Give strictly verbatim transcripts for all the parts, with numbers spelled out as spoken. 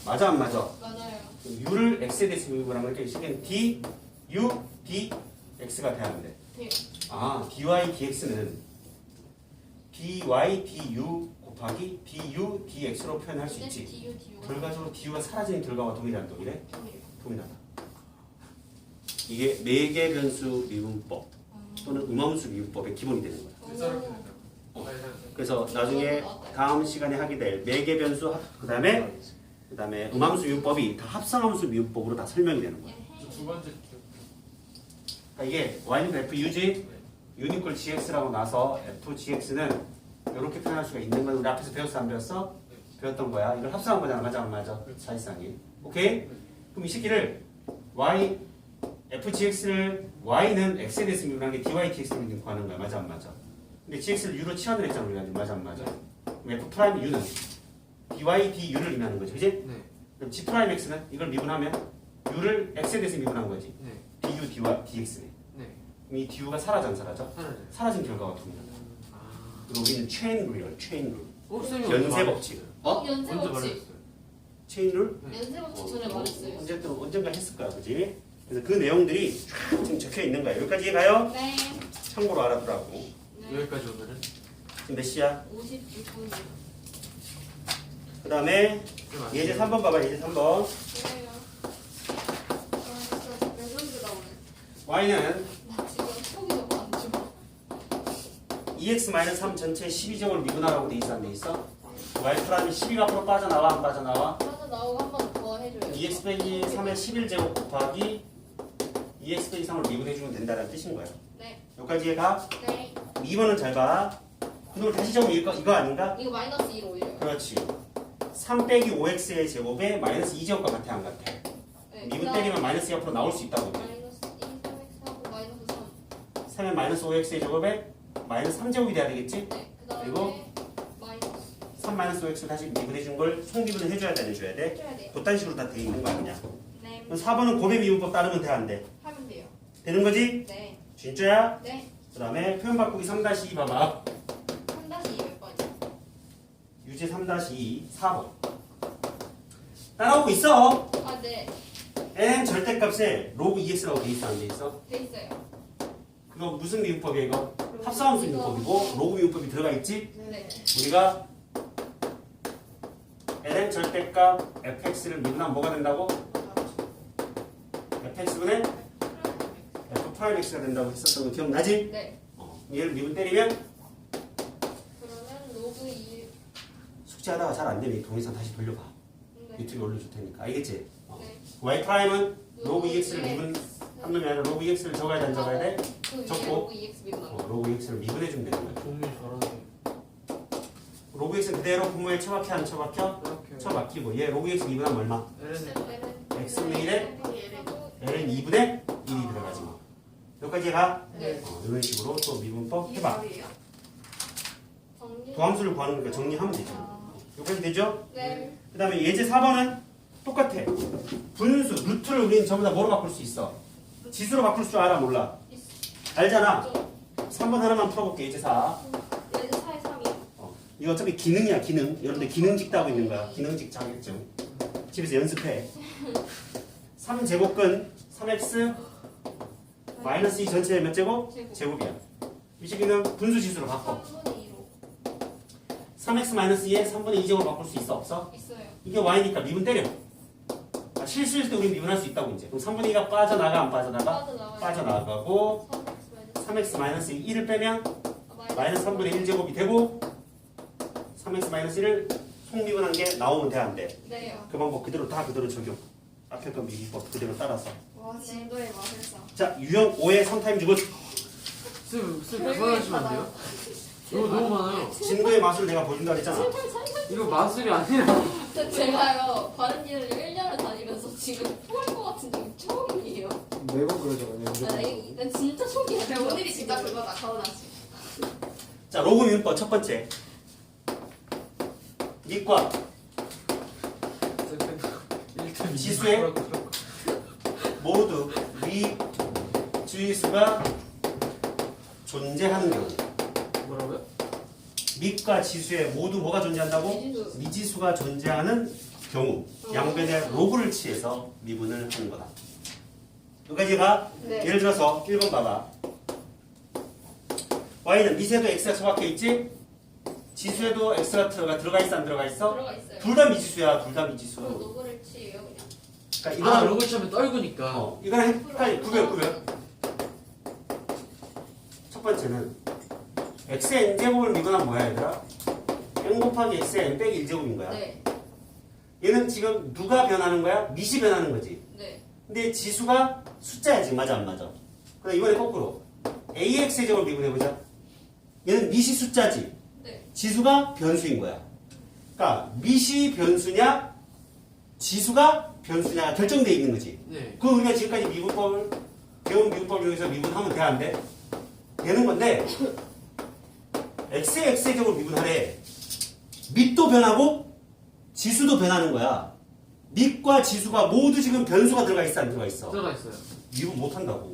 맞아 안 맞아? 맞아요. u를 x에 대해서 미분하면 이렇게 식은 d, u, d, x가 돼야 하는데. 네. 아, dy, dx는 dy, du 곱하기 du, dx로 표현할 수 있지. du, du가 결과적으로 du가 사라지는 결과와 동일한 동일해? 동일해요. 동일하다. 이게 매개 변수 미분법 또는 음함수 미분법의 기본이 되는 거야. 오. 그래서 나중에 다음 시간에 하게 될 매개 변수 그 다음에 그 다음에 음함수 미분법이 다 합성함수 미분법으로 다 설명이 되는 거야. 두 번째 기억. 그러니까 이게 y는 f u지 유니콜 gx라고 나서 f gx는 이렇게 표현할 수가 있는 건 우리 앞에서 배웠어 안 배웠어? 배웠던 거야. 이걸 합성한 거잖아. 맞아 안 맞아? 사실상이. 오케이? 그럼 이 새끼를 y fgx를 y는 x에 대해서 미분한 게 dy dx를 구하는 거야. 맞아 안 맞아? 근데 gx를 u로 치환을 했잖아 우리가. 맞아 안 맞아? 그럼 f 프라임 u는 dy du를 의미하는 거지. 그지? 네. 그럼 g 프라임 x는 이걸 미분하면 u를 x에 대해서 미분한 거지. 네. du dy dx네. 네. 그럼 이 du가 사라져 안 사라져? 하나죠. 사라진 결과가 동일하다. 아. 그리고 우리는 체인 룰이야. 체인 룰. 어, 쌤이 연쇄 법칙. 어? 연쇄 먼저 법칙. 말했어요. 체인 룰? 연쇄 법칙 전에 말했어요. 언제든 언젠가 했을 거야, 그지? 그래서 그 내용들이 쫙 지금 적혀 있는 거야. 여기까지 가요? 네. 참고로 알아두라고. 네. 여기까지 오늘은 지금 몇 시야? 오십육 분이요. 그 다음에 쌤 아시죠? 예제 삼 번 봐봐. 예제 삼 번. 그래요. 아, 진짜 레전드다 오늘. y는 나 지금 속이 너무 안 좋아. 이엑스 삼 전체 십이 제곱을 미분하라고 돼 있어 안 돼 있어? y 프라임이 십이가 앞으로 빠져나와 안 빠져나와? 하나 나오고 한 번 더 해줘요. 이엑스 빼기 삼의 십일 제곱 곱하기 이엑스 빼기 삼을 미분해주면 된다는 뜻인 거야. 네. 여기까지 가. 네. 이 번은 잘 봐. 그걸 다시 적으면 이거, 이거 아닌가? 이거 마이너스 이로 올려요. 그렇지. 삼 빼기 오 엑스의 제곱에 마이너스 이 제곱과 같아 안 같아? 네. 미분 때리면 마이너스 이 앞으로 나올 수 있다고. 마이너스 일, 삼 엑스하고 마이너스 삼. 삼에 마이너스 오 엑스의 제곱에 마이너스 삼 제곱이 돼야 되겠지? 네. 그 그리고? 다음에 마이너스 삼 마이너스 오 엑스를 다시 미분해준 걸 송미분을 해줘야 돼, 안 해줘야 돼? 해줘야 돼요. 돛단식으로 다 돼 있는 거 아니냐? 네. 그럼 사 번은 곱의 미분법 따르면 돼, 안 돼? 하면 돼요. 되는 거지? 네. 진짜야? 네. 그 다음에 표현 바꾸기 삼 이 봐봐. 삼 다시 이 몇 번이요? 유제 삼 이 사 번. 따라오고 있어. 아, 네. n 절대값에 로그 이엑스라고 돼 있어, 안 돼 있어? 돼 있어요. 그거 무슨 미분법이야, 이거? 합성함수 미분법이고, 로그 미분법이 들어가 있지? 네. 우리가 ln 절대값 fx를 미분하면 뭐가 된다고? fx분의 f 프라임 x가 된다고 했었던 거 기억나지? 네. 어, 얘를 미분 때리면 그러면 로그 이. 숙제하다가 잘 안 되면 이 동영상 다시 돌려봐. 네. 유튜브에 올려줄 테니까. 알겠지? 어. 네. y 프라임은 로그 ex를 네. 미분 한 놈이 아니라 로그 ex를 적어야 돼, 안 적어야 돼? 그 위에 적고. 로그 이엑스 미분하고. 어, 로그 ex를 미분해주면 되는 거야. 종류 저런데. 로그 x는 그대로 분모에 처박혀 안 처박혀? 이렇게. 처박히고 얘 로그 x 미분하면 얼마? L은 x분의 일에 l은 이분의 일이 들어가지 뭐. 여기까지 가? 네. 어, 이런 식으로 또 미분법 해봐. 정리. 도함수를 구하는 거니까 정리하면 되죠. 아. 여기까지 되죠? 네. 그 다음에 예제 사 번은 똑같아. 분수, 루트를 우리는 전부 다 뭐로 바꿀 수 있어? 지수로 바꿀 줄 알아? 몰라? 알잖아. 삼 번 하나만 풀어볼게. 예제 사. 예제 사에 삼이요. 어, 이거 어차피 기능이야, 기능. 여러분들 기능직 따고 있는 거야. 기능직 자격증. 집에서 연습해. 삼 제곱근 삼 엑스 마이너스 이 전체 몇 제곱? 제곱. 제곱이야. 이 시기는 분수 지수로 바꿔. 삼분의 이로. 삼 엑스 마이너스 이에 삼분의 이 제곱을 바꿀 수 있어? 없어? 있어요. 이게 y니까 미분 때려. 아, 실수일 때 우리 미분할 수 있다고 이제. 그럼 삼분의 이가 빠져나가 안 빠져나가? 빠져나와요. 빠져나가고 삼 엑스 마이너스 삼 엑스 마이너스 일을 빼면 아, 마이너스 삼분의 일 제곱이 되고 삼 엑스 마이너스 일을 속미분한 게 나오면 돼, 안 돼? 네요. 그 방법 그대로 다 그대로 적용. 앞에 건 미분법 그대로 따라서. 와, 진도의 마술사. 자, 유형 오의 삼 타임 주고 쌤, 쌤 그만하시면 안 돼요? 이거 너무 많아요. 진도의 맛을 내가 보여준다 그랬잖아. 이거 마술이 아니라. 저 제가요 바른기를 일 년을 다니면서 지금 토할 것 같은 적이 처음이에요. 매번 그러잖아요. 나, 이- 나 진짜 초기야. 근데 오늘이 진짜 그거다, 가오나지. 자, 로그 미분법 첫 번째. 니과 지수의 모두 위 주의수가 존재하는 경우. 뭐라고요? 밑과 지수에 모두 뭐가 존재한다고? 미지수. 미지수가 존재하는 경우 양변의 로그를 취해서 미분을 하는 거다. 여기까지가 네. 예를 들어서 일 번 봐봐. y는 미세도 x가 처박혀 있지? 지수에도 x가 들어가, 들어가 있어 안 들어가 있어? 들어가 있어요. 둘 다 미지수야. 둘 다 그럼 미지수. 노브를 치예요 그냥. 그러니까 아 이거는 로고 치면 떨구니까. 어, 이거는 헷갈리 구별 구별. 첫 번째는 x의 n제곱을 미분하면 뭐야 얘들아? n 곱하기 x의 n 빼기 일 제곱인 거야. 네. 얘는 지금 누가 변하는 거야? 미시 변하는 거지. 네. 근데 지수가 숫자야 지금. 맞아 안 맞아? 그럼 이번에 거꾸로 ax의 제곱을 미분해보자. 얘는 미시 숫자지. 네. 지수가 변수인 거야. 그러니까 미시 변수냐 지수가 변수냐가 결정되어 있는 거지. 네. 그 우리가 지금까지 미분법을 배운 미분법 중에서 미분하면 돼 안 돼? 되는 건데 x의 x의 제곱을 미분하래. 밑도 변하고 지수도 변하는 거야. 밑과 지수가 모두 지금 변수가 들어가 있어 안 들어가 있어? 들어가 있어요. 미분 못한다고.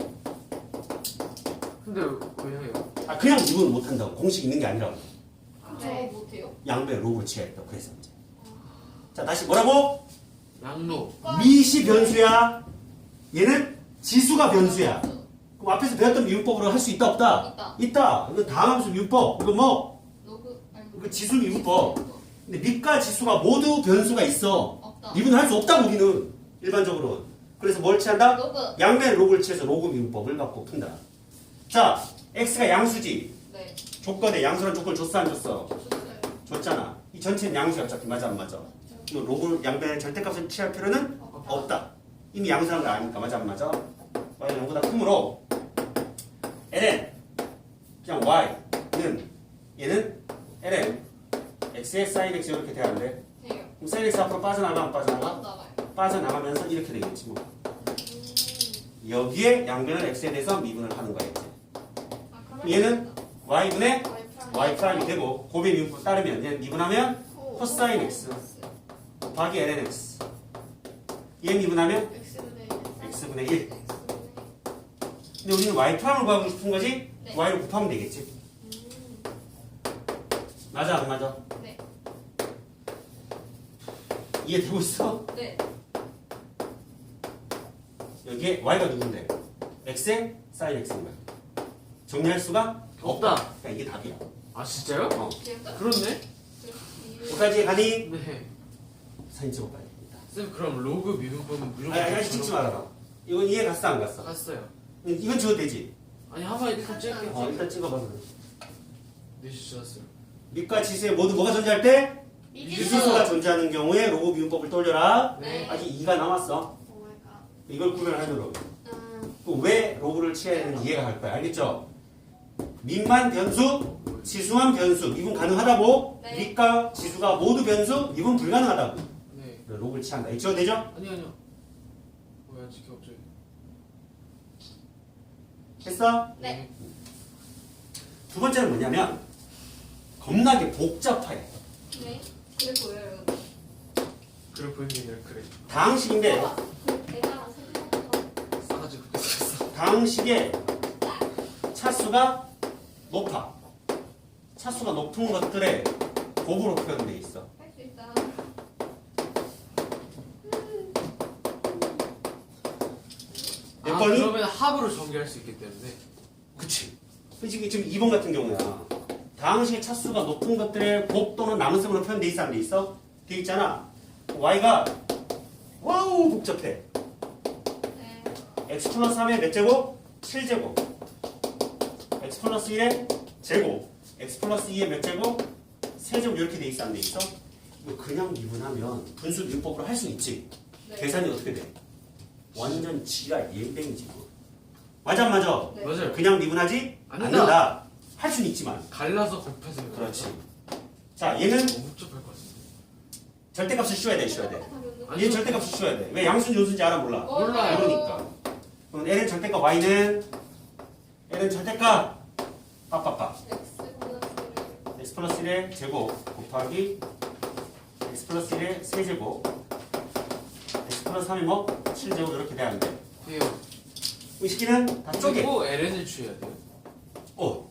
근데 왜 해요? 아 그냥 미분 못한다고. 공식 있는 게 아니라고. 그럼 네. 저거 못해요? 양변 로그를 취했다. 그래서 이제 자 다시 뭐라고? 양로. 미시 변수야. 얘는 지수가 변수야. 그럼 앞에서 배웠던 미분법으로 할 수 있다 없다? 있다. 있다. 이거 다함수 미분법. 이거 뭐? 노브 아니 이거 지수 미분법. 근데 밑과 지수가 모두 변수가 있어. 없다. 미분할 수 없다 우리는 일반적으로. 그래서 뭘 취한다? 노브. 양변 로그를 취해서 로그 미분법을 갖고 푼다. 자, x가 양수지. 네. 조건에 양수란 조건을 줬어 안 줬어? 줬어요. 줬잖아. 이 전체는 양수야 어차피. 맞아 안 맞아? 이 로그 양변의 절대값을 취할 필요는 없다. 이미 양수란 거 아니까. 맞아 안 맞아? y는 영보다 크므로 ln 그냥 y는 얘는 ln x의 sin x 이렇게 돼야 하는데 해요. 그럼 sin x 앞으로 빠져나가 안 빠져나가? 안 나가요. 빠져나가면서 이렇게 되겠지 뭐. 음. 여기에 양변을 x에 대해서 미분을 하는 거겠지. 아, 그럼 얘는 y분의 와이프랑 y 프라임이 되고 곱의 미분법 따르면 얘는 미분하면 코. 코사인 x 곱하기 ln x 얘 미분하면 X분의 x분의 일. 근데 우리는 y 프라임을 구하고 싶은 거지? 네. y를 곱하면 되겠지. 음. 맞아 안 맞아? 네. 이해되고 있어? 네. 여기에 y가 누군데? x의 sin x인 거야. 정리할 수가 없다. 그러니까 이게 답이야. 아 진짜요? 어. 기억나? 그렇네. 여기까지 가니 네. 사진 찍어봐야 됩니다. 쌤 그럼 로그 미분법은 무조건 아니 아니 찍지 말아라. 이건 이해 갔어 안 갔어? 갔어요. 이건 지워도 되지? 아니 한 번에 일단 찍을게요. 어 일단 찍어봐. 네 주셨어요. 밑과 지수에 모두 뭐가 존재할 때? 미지수. 미지수가 존재하는 경우에 로그 미분법을 떠올려라. 네. 아직 이가 남았어. 오마이갓. 이걸 구별하도록. 음. 또 왜 로그를 취해야 되는지 이해가 갈 거야. 알겠죠? 밑만 변수, 지수만 변수. 미분 가능하다고. 네. 밑과 지수가 모두 변수, 미분 불가능하다고. 네. 로그를 취한다. 이해가 되죠? 아니 아니요. 뭐야 지금 갑자기. 됐어? 네. 두 번째는 뭐냐면 겁나게 복잡해. 네. 그래 보여요. 그래 보이는 게 아니라 그래. 다항식인데 아, 그 내가 생각한 싸가지고 뺏겼어. 다항식의 차수가 높아. 차수가 높은 것들의 곱으로 표현되어 있어. 할수 있다. 몇 아 번이? 그러면 합으로 전개할 수 있기 때문에. 그치. 지금 지금 이 번 같은 경우야. 다항식의 차수가 높은 것들의 곱 또는 나눗셈으로 표현돼 있어 안 돼 있어? 돼 있잖아. y가 와우 복잡해. 네. x 플러스 삼의 몇 제곱? 칠 제곱. x 플러스 일의 제곱. x 플러스 이의 몇 제곱? 세 제곱 이렇게 돼 있어 안 돼 있어? 이거 그냥 미분하면 분수 미분법으로 할 수 있지. 네. 계산이 어떻게 돼? 완전 지랄 예뱅이지 뭐. 맞아 안 맞아? 네. 맞아요. 그냥 미분하지 않는다. 않는다. 할 수는 있지만. 갈라서 곱해서. 그렇지. 자 얘는 너무 복잡할 것 같은데. 절대값을 씌워야 돼, 씌워야 돼. 아니, 얘는 절대값을 씌워야 돼. 왜 양수인지 요수인지 알아 몰라? 몰라요. 그러니까. 그럼 L은 절대값, Y는 L은 절대값. 빠빠빠. x 플러스 일의 제곱 곱하기 x 플러스 일의 세제곱 x 플러스 삼이 뭐? 칠 제곱 이렇게 돼야 하는데 돼요. 이 식기는 다 쪼개. 그리고 엘엔을 취해야 돼요. 어,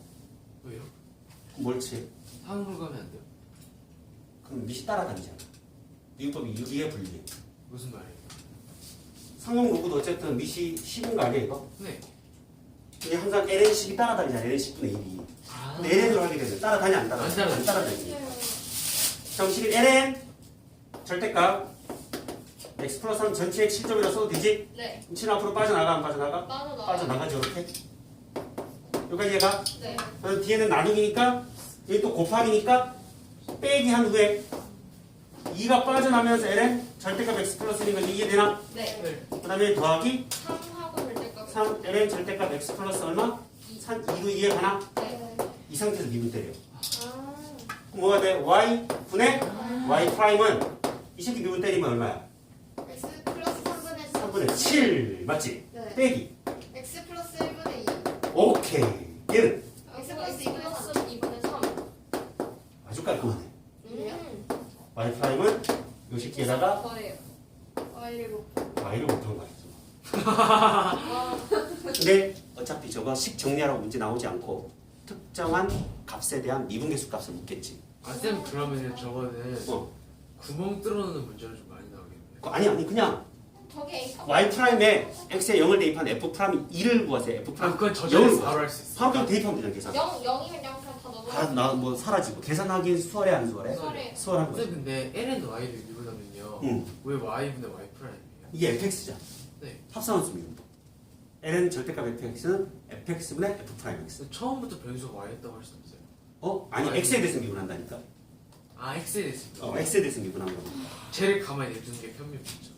왜요? 뭘 취해? 상으로 가면 안 돼요. 그럼 밑이 따라다니잖아. 미분법이 유리해 불리해? 무슨 말이에요? 상용 로그도 어쨌든 밑이 십인 거 아니야 이거? 네. 이게 항상 엘엔식이 따라다니잖아. 엘엔 십분의 일이. 아. 근데 엘엔으로 하게 되면 따라다니 안 따라다니? 안 따라다니. 안 따라다니. 정식은 엘엔 절대값 x 플러스 삼 전체의 칠 점이라 써도 되지? 네. 그럼 칠은 앞으로 빠져나가 안 빠져나가? 빠져나가. 빠져나가지 이렇게. 여기까지 얘가 네. 그럼 뒤에는 나누기니까 여기 또 곱하기니까 빼기 한 후에 이가 빠져나면서 엘엔 절대값 x 플러스 일인 건지 이해되나? 네. 네. 그 다음에 더하기 삼하고 절대값. 삼 엘엔 절대값 x 플러스 얼마? 삼, 이로 이해가나? 네. 이 상태에서 미분 때려. 아. 그럼 뭐가 돼? y 분의 y 프라임은 이 새끼 미분 때리면 얼마야? x 플러스 삼분의 사. 삼분의 칠 맞지? 네. 빼기. x 플러스 일분의 이. 오케이. 얘는 x 플러스 이분의 삼. 플러스 이분의 삼. 아주 깔끔하네. 음. y 프라임은 요 새끼에다가 더해요. y를 곱. y를 못한 거야. 아. 근데 어차피 저거 식 정리하라고 문제 나오지 않고 특정한 값에 대한 미분계수 값을 묻겠지. 아, 쌤 그러면은 저거는 어. 구멍 뚫어놓는 문제로 좀 많이 나오겠네요. 그 아니 아니 그냥 저게 A 값. y 프라임에 x에 영을 대입한 f 프라임 이를 구하세요. f 아, 프라임 그건 영을 저절로 구하세요. 바로 할 수 있어. 바로 대입하면 되잖아 계산. 영 영이면 영 그냥 다 넣어. 다나뭐 사라지고 계산하기 수월해 안 수월해? 수월해. 수월한 거지. 쌤 근데 ln y를 미분하면요. 응. 왜 y분의 y 프라임이에요? 이게 fx잖아. 네. 합성함수 미분법. ln 절대값 fx는 fx분의 f 프라임 x. 근데 처음부터 변수가 y였다고 할 수 없어요. 어? 아니 아니. x에 대해서 미분한다니까. 아, x에 대해서. 어, x에 대해서 미분한 거. 쟤를 가만히 내두는 게 편미분이죠.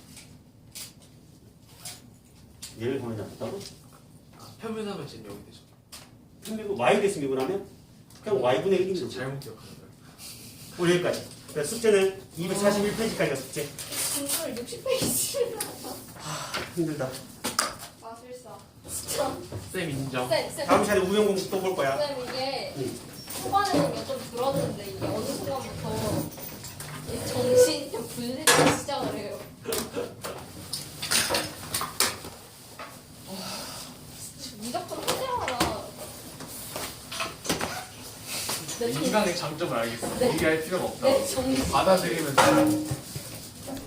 얘를 가만히 놔뒀다고? 아, 편미하면 쟤는 여기 되죠. 미분 y 대해서 미분하면 그냥 y분의 일인 저 거지. 잘못 기억하는 거예요. 오늘 여기까지. 그래서 숙제는 이백사십일 페이지까지가 숙제. 분수를 육십 페이지. 힘들다. 마술사. 진짜. 쌤 인정. 쌤, 쌤. 다음 시간에 우영 공식 또 볼 거야. 쌤 이게 응. 초반에는 몇 점 줄었는데 이게 어느 순간부터 이 정신이 좀 분리되기 시작을 해요. 무조건 하자마자. 내 정- 인간의 장점을 알겠어. 네. 얘기할 필요가 없다. 내 정신. 받아들이면 돼.